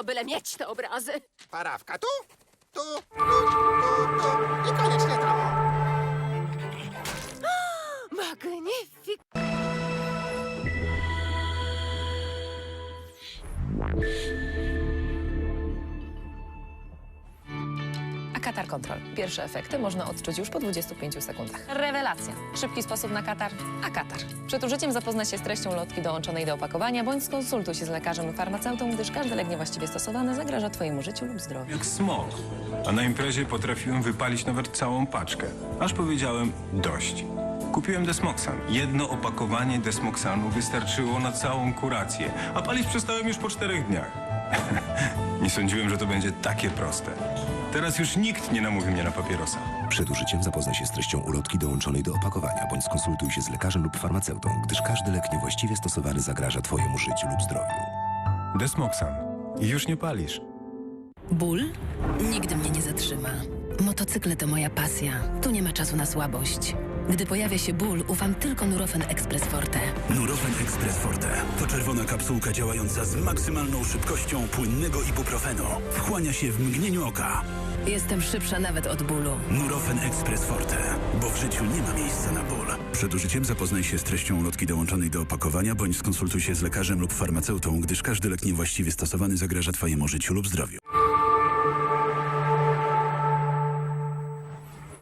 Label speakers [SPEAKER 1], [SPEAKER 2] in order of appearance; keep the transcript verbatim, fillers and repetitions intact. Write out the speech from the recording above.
[SPEAKER 1] wszystko, byle mieć te obrazy.
[SPEAKER 2] Parawka tu, tu, tu, tu, tu i koniecznie tam.
[SPEAKER 1] Magnifik.
[SPEAKER 3] A katar kontrol. Pierwsze efekty można odczuć już po dwudziestu pięciu sekundach. Rewelacja. Szybki sposób na katar, a katar. Przed użyciem zapoznaj się z treścią lotki dołączonej do opakowania, bądź skonsultuj się z lekarzem lub farmaceutą, gdyż każdy lek niewłaściwie stosowany zagraża twojemu życiu lub zdrowiu.
[SPEAKER 4] Jak smok. A na imprezie potrafiłem wypalić nawet całą paczkę. Aż powiedziałem dość. Kupiłem Desmoxan. Jedno opakowanie Desmoxanu wystarczyło na całą kurację, a palić przestałem już po czterech dniach. Nie sądziłem, że to będzie takie proste. Teraz już nikt nie namówi mnie na papierosa.
[SPEAKER 5] Przed użyciem zapoznaj się z treścią ulotki dołączonej do opakowania, bądź skonsultuj się z lekarzem lub farmaceutą, gdyż każdy lek niewłaściwie stosowany zagraża twojemu życiu lub zdrowiu.
[SPEAKER 4] Desmoxan. I już nie palisz.
[SPEAKER 6] Ból? Nigdy mnie nie zatrzyma. Motocykle to moja pasja. Tu nie ma czasu na słabość. Gdy pojawia się ból, ufam tylko Nurofen Express Forte.
[SPEAKER 7] Nurofen Express Forte to czerwona kapsułka działająca z maksymalną szybkością płynnego ibuprofenu. Wchłania się w mgnieniu oka.
[SPEAKER 6] Jestem szybsza nawet od bólu.
[SPEAKER 7] Nurofen Express Forte, bo w życiu nie ma miejsca na ból. Przed użyciem zapoznaj się z treścią ulotki dołączonej do opakowania, bądź skonsultuj się z lekarzem lub farmaceutą, gdyż każdy lek niewłaściwie stosowany zagraża twojemu życiu lub zdrowiu.